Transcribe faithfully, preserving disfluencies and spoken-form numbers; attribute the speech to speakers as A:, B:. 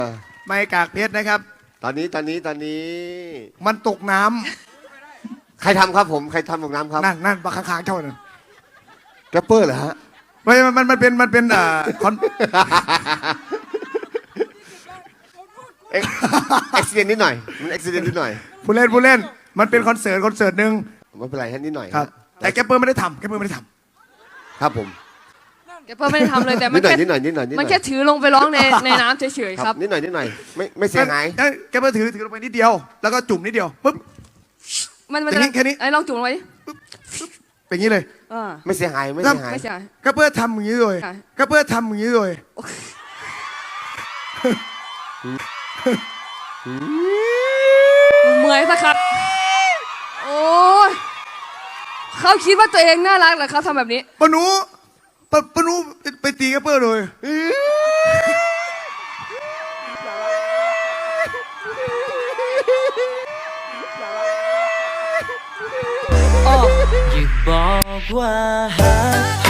A: ไม่กากเพชรนะครับ
B: ตอนนี้ตอนนี้ตอนนี้
A: มันตกน้ำ
B: ใครทำครับผมใครทำตกน้ำครับ
A: นั่นนั่นปลาค้างๆเท่านั้น
B: แรปเปอร์เหรอฮะ
A: ไม่มันมันมันเป็นมันเป็นอ่าคอน
B: เอ็กซิเดนนิดหน่อยมันเอ็กซิเดนนิดหน่อย
A: ผู้เล่นผู้เล่นมันเป็นคอนเสิร์ตคอนเสิร์ตหนึ่ง
B: ไม่เป็นไรฮะนิดหน่อย
A: ครับ แต่แกปเปอร์ไม่ได้ทำแกปเปอร์ไม่ได้ท
B: ครับผม
C: แกเพิ่มไม่ได้ทำเลยแต่มั
B: นิ
C: น
B: ดหน่อย
C: แค่
B: นิดหน่อยนิดหน่อยนิดห
C: มัน
B: น่อย
C: แค่ถือลงไปร้องในในน้ำเฉยๆครับ
B: นิดหน่อยนิดหน่อยไม่ไม่
A: ำ
B: เสียหาย
A: เอ้ยแกปเปอร์ถือถือลงไปนิดเดียว แล้วก็จุ่มนิดเดียวปุ๊บ
C: มันมัน
A: อย่างนี้แค่นี้
C: ไอ้ลองจุ่มลงไปดิ
A: เป็นอย่างนี้เลย
C: อ่า
B: ไม่เสียหายไม่เสียหาย
C: ไม่ใช่
A: แกปเปอร์ทำอย่างนี้เลย
C: ค่ะ
A: แกปเปอร์ทำอย่างนี้เลย
C: เมื่อยสักครับโอ้ยเขาคิดว่าตัวเองน่ารักเหรอเขาทำแบบนี้
A: ปะหนูปะปะหนูไปไปตีแกปเปอร์เลย
C: อ๋อ
D: อย่าบอกว่าหาก